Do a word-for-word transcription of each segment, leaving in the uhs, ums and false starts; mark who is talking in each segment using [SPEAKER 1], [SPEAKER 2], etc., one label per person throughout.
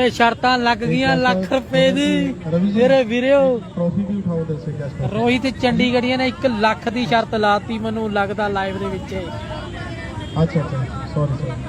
[SPEAKER 1] ਓਏ ਸ਼ਰਤਾਂ ਲੱਗ ਗਈਆਂ ਲੱਖ ਰੁਪਏ ਦੀ ਮੇਰੇ ਵੀਰਿਓ।
[SPEAKER 2] ਟਰੋਫੀ ਵੀ ਉਠਾਓ ਦੱਸੇ ਕਿਆ
[SPEAKER 1] ਰੋਹਿਤ ਚੰਡੀਗੜ੍ਹੀਆਂ ਨੇ ਇੱਕ ਲੱਖ ਦੀ ਸ਼ਰਤ ਲਾਤੀ ਮੈਨੂੰ ਲੱਗਦਾ ਲਾਈਵ ਦੇ ਵਿੱਚ।
[SPEAKER 2] ਅੱਛਾ ਅੱਛਾ ਸੌਰੀ ਸੌਰੀ।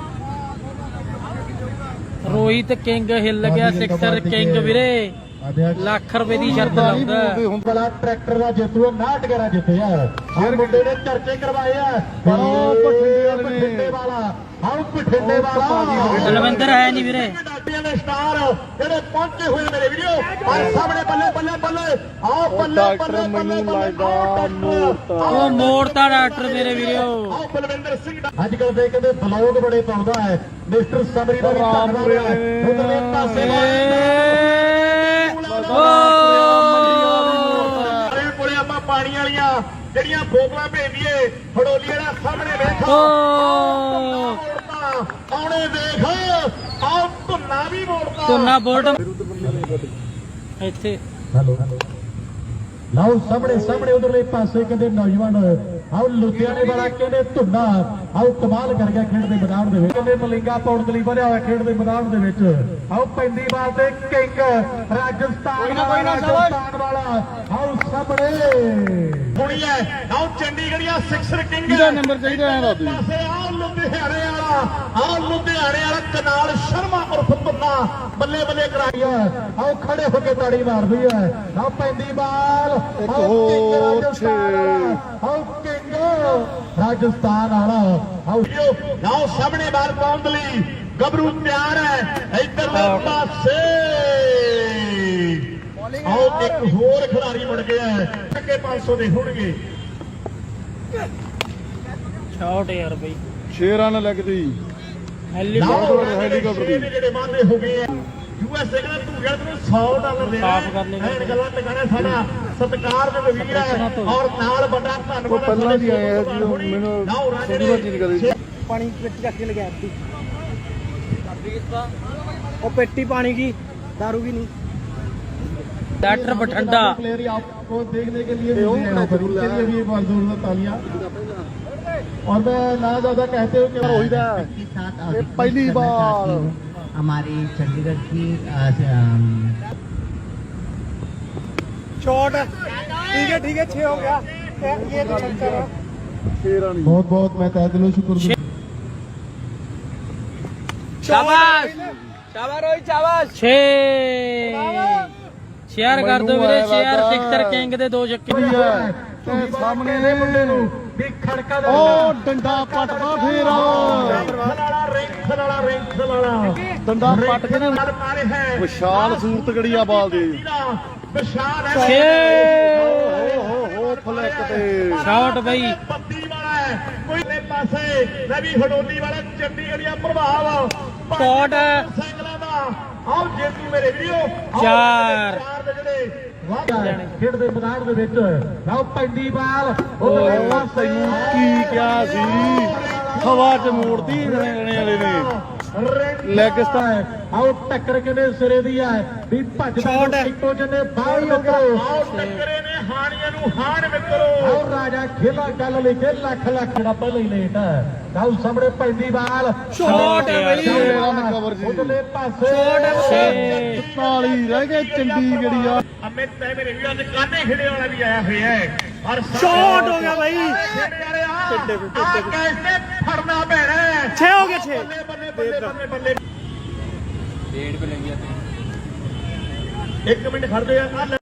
[SPEAKER 1] ਰੋਹਿਤ ਕਿੰਗ ਹਿੱਲ ਗਿਆ ਸਿਕਸਰ ਕਿੰਗ ਵੀਰੇ ਲੱਖ ਰੁਪਏ ਦੀ ਸ਼ਰਤ ਲਾਉਂਦਾ।
[SPEAKER 2] ਹੁਣ ਬੜਾ ਟਰੈਕਟਰ ਦਾ ਜੇਤੂ ਉਨਾਹਠ ਗੇਰਾ ਜਿੱਤਿਆ ਹਰ ਮੁੰਡੇ ਨੇ ਚਰਚੇ ਕਰਵਾਏ ਆ ਪਰ ਉਹ ਬਠਿੰਡੇ ਵਾਲਾ ਆਉ ਬਠਿੰਡੇ ਵਾਲਾ
[SPEAKER 1] ਦਲਵਿੰਦਰ ਹੈ ਨਹੀਂ ਵੀਰੇ।
[SPEAKER 2] ਡਾਟੀਆਂ ਦੇ ਸਟਾਰ ਜਿਹੜੇ ਪਹੁੰਚੇ ਹੋਏ ਮੇਰੇ ਵੀਡੀਓ ਪਰ ਸਾਹਮਣੇ ਬੱਲੇ ਬੱਲੇ ਬੱਲੇ ਆਓ ਬੱਲੇ ਬੱਲੇ ਬੱਲੇ ਬੱਲੇ
[SPEAKER 1] ਉਹ ਮੋੜਤਾ ਡਾਕਟਰ ਮੇਰੇ ਵੀਡੀਓ।
[SPEAKER 2] ਆਓ ਬਲਵਿੰਦਰ ਸਿੰਘ ਅੱਜ ਕੱਲ ਦੇ ਕਹਿੰਦੇ ਬਲੌਗ ਬੜੇ ਪਾਉਂਦਾ ਹੈ ਮਿਸਟਰ ਸਮਰੀ ਦਾ ਵੀ ਧੰਨਵਾਦ ਹੈ ਉਧਰਲੇ ਪਾਸੇ ਕੋਲੇ ਆਪਾਂ ਪਾਣੀ ਵਾਲੀਆਂ ਜਿਹੜੀਆਂ ਬੋਤਲਾਂ ਭੇਜੀਏ ਫੜੋਲੀ ਵਾਲਾ ਸਾਹਮਣੇ ਵੇਖੋ ਆਉਣੇ ਦੇਖ ਆਹ ਧੁੰਨਾ ਵੀ ਮੋੜਦਾ
[SPEAKER 1] ਧੁੰਨਾ ਬੋਲਟ ਇੱਥੇ
[SPEAKER 2] ਹੈਲੋ ਲਓ ਸਾਹਮਣੇ ਸਾਹਮਣੇ ਉਧਰਲੇ ਪਾਸੇ ਕਹਿੰਦੇ ਨੌਜਵਾਨ ਆਓ ਲੁਧਿਆਣੇ ਵਾਲਾ ਕਹਿੰਦੇ ਧੁੰਨਾ ਆਓ ਕਮਾਲ ਕਰ ਗਿਆ ਖੇਡ ਦੇ ਮੈਦਾਨ ਦੇ ਵਿੱਚ ਕਹਿੰਦੇ ਮਲਿੰਗਾ ਪੌੜ ਲਈ ਵਧਿਆ ਹੋਇਆ ਖੇਡ ਦੇ ਮੈਦਾਨ ਦੇ ਵਿੱਚ ਆਓ ਪੈਂਦੀ ਬਾਲ ਤੇ ਕਿੰਗ ਰਾਜਸਥਾਨ ਰਾਜਸਥਾਨ ਵਾਲਾ ਆਓ ਸਾਹਮਣੇ ਕੁੜੀ ਹੈ ਆਓ ਚੰਡੀਗੜ੍ਹੀਆ ਸਿਕਸਰ ਕਿੰਗ ਕਿਹਦਾ ਨੰਬਰ ਚਾਹੀਦਾ ਹੈ ਦਾਦੀ ਪਾਸੇ ਆਓ ਲੁਧਿਆਣੇ ਵਾਲਾ ਆਓ ਲੁਧਿਆਣੇ ਵਾਲਾ ਕਨਾਲ ਸ਼ਰਮਾ ਉਰਫ ਧੁੰਨਾ ਬੱਲੇ ਬੱਲੇ ਕਰਾਈ ਹੈ ਆਓ ਖੜੇ ਹੋ ਕੇ ਤਾੜੀ ਮਾਰਦੀ ਹੈ ਆਓ ਪੈਂਦੀ ਬਾਲ ਇੱਕ ਹੋਰ ਆਓ ਕਿੰਗ ਰਾਜਸਥਾਨ ਵਾਲਾ ਆਓ ਆਓ ਸਾਹਮਣੇ ਬਾਲ ਪਾਉਣ ਲਈ ਗੱਭਰੂ ਤਿਆਰ ਹੈ ਇੱਧਰਲੇ ਪਾਸੇ ਆਓ ਇੱਕ ਹੋਰ ਖਿਡਾਰੀ ਮੁੜ ਗਿਆ ਅੱਗੇ ਪੰਜ ਸੌ ਦੇ ਹੋਣਗੇ
[SPEAKER 1] ਸ਼ਾਟ ਯਾਰ ਬਈ
[SPEAKER 2] ਛੇ ਰਨ ਲੱਗਦੀ
[SPEAKER 1] ਹੈਲੀਕਾਪਟਰ
[SPEAKER 2] ਹੈਲੀਕਾਪਟਰ ਦੇ ਜਿਹੜੇ ਵਾਅਦੇ ਹੋ ਗਏ ਆ ਯੂਐਸਏ ਕਹਿੰਦਾ ਤੂੰ ਕਹਿੰਦਾ ਤੈਨੂੰ ਸੌ ਡਾਲਰ ਦੇਣਾ
[SPEAKER 1] ਸਾਫ਼ ਕਰ ਲੈਣਾ
[SPEAKER 2] ਐਨ ਗੱਲਾਂ ਟਿਕਾਣਾ ਸਾਡਾ ਸਤਿਕਾਰ ਦੇ ਵਜ਼ੀਰ ਹੈ ਔਰ ਨਾਲ ਵੱਡਾ ਧੰਨਵਾਦ ਪਹਿਲਾਂ ਵੀ ਆਏ ਆ ਜੀ ਮੈਨੂੰ ਥੋੜੀ ਵਾਰ ਨਹੀਂ ਕਰੀ
[SPEAKER 1] ਪਾਣੀ ਪੇਟੀ ਚੱਕ ਕੇ ਲਗਾ ਦਿੱਤੀ ਉਹ ਪੇਟੀ ਪਾਣੀ की दारू की नहीं डॉक्टर बठंडा
[SPEAKER 2] प्लेयर आपको देखने के लिए मिल रहे हैं पर उनके लिए भी एक बार जोरदार तालियां और मैं ना ज्यादा कहते हुए कि रोहित है पहली बार
[SPEAKER 3] हमारी चंडीगढ़ की
[SPEAKER 1] शॉट ठीक है ठीक है छह हो गया ये तो छक्का है
[SPEAKER 2] बहुत बहुत मैं तहे दिलों शुक्र
[SPEAKER 1] शाबाश शाबाश रोहित शाबाश छह शेयर कर दो ਵੀਰੇ शेयर सिक्सर किंग ਦੇ ਦੋ ਛੱਕੇ
[SPEAKER 2] ਤੇ ਸਾਹਮਣੇ ਦੇ ਮੁੰਡੇ ਨੂੰ ਵੀ ਖੜਕਾ ਉਹ ਡੰਡਾ ਪੱਟਦਾ ਫੇਰ ਖਲਾੜਾ ਰਿੰਗ ਖਲਾੜਾ ਰਿੰਗ ਖਲਾੜਾ ਡੰਡਾ ਪੱਟ ਕੇ ਨਾਲ ਮਾਰੇ ਹੈ ਵਿਸ਼ਾਲ ਸੂਰਤ ਗੜੀ ਆ ਬਾਲ ਦੀ ਵਿਸ਼ਾਲ ਹੈ
[SPEAKER 1] ਛੇ
[SPEAKER 2] ਹੋ ਹੋ ਫਲੈਕ ਤੇ
[SPEAKER 1] ਸ਼ਾਟ ਬਈ
[SPEAKER 2] ਪੱਤੀ ਵਾਲਾ ਹੈ ਕੋਈ ਦੇ ਪਾਸੇ ਰਵੀ ਹਡੋਲੀ ਵਾਲਾ ਚੰਡੀਗੜ੍ਹੀਆ ਪ੍ਰਭਾਵ
[SPEAKER 1] ਸ਼ਾਟ
[SPEAKER 2] ਸਾਈਕਲਾਂ ਦਾ ਆਓ ਜੇਤੂ ਮੇਰੇ ਵੀਡੀਓ
[SPEAKER 1] ਚਾਰ
[SPEAKER 2] ਦੇ ਜਿਹੜੇ ਖੇਡ ਦੇ ਮੈਦਾਨ ਦੇ ਵਿੱਚ ਆਓ ਪੈਂਦੀ ਬਾਲ ਉਹ ਪਾਸੇ ਕੀ ਕਿਹਾ ਸੀ ਹਵਾ 'ਚ ਮੋੜਦੀ ਰਣੇ ਵਾਲੇ ਨੇ ਲੈਗ ਸਟਾਰ ਆਓ ਟੱਕਰ ਕਿਨੇ ਸਿਰੇ ਦੀ ਹੈ ਵੀ ਭੱਜਦਾ ਇੱਕੋ ਜਨੇ ਬਾਹਰ ਨਿਕਲੋ ਆਓ ਟੱਕਰੇ ਨੇ ਹਾਣੀਆਂ ਨੂੰ ਹਾਣ ਮਿੱਤਰੋ ਆਓ ਰਾਜਾ ਖੇਲਾ ਗੱਲ ਲਈ ਕੇ ਲੱਖ ਲੱਖ ਜਿਹੜਾ ਪਹਿਲਾਂ ਹੀ ਲੇਟ ਹੈ ਆਓ ਸਾਹਮਣੇ ਪੈਂਦੀ ਬਾਲ
[SPEAKER 1] ਸ਼ਾਟ ਹੈ ਬਈ
[SPEAKER 2] ਉਧਰਲੇ ਪਾਸੇ
[SPEAKER 1] ਛੇ
[SPEAKER 2] ਤਾਲੀ ਰਹਿ ਗਏ ਚੰਡੀਗੜ੍ਹੀਆ ਅਮਿਤ ਤੇ ਮੇਰੇ ਵੀਰਾਂ ਦੇ ਕਾਨੇ ਖੇੜੇ ਵਾਲਾ ਵੀ ਆਇਆ ਹੋਇਆ ਹੈ ਔਰ
[SPEAKER 1] ਸ਼ਾਟ ਹੋ ਗਿਆ ਬਈ
[SPEAKER 2] ਖੇੜੇ ਵਾਲੇ ਆ ਕੈਸੇ ਫੜਨਾ ਪੈਣਾ
[SPEAKER 1] ਛੇ ਹੋ ਗਏ ਛੇ
[SPEAKER 2] ਬੱਲੇ ਬੱਲੇ ਬੱਲੇ ਬੱਲੇ
[SPEAKER 1] ਡੇਢ पे लग गया
[SPEAKER 2] ਇੱਕ ਮਿੰਟ ਖੜ ਜਾ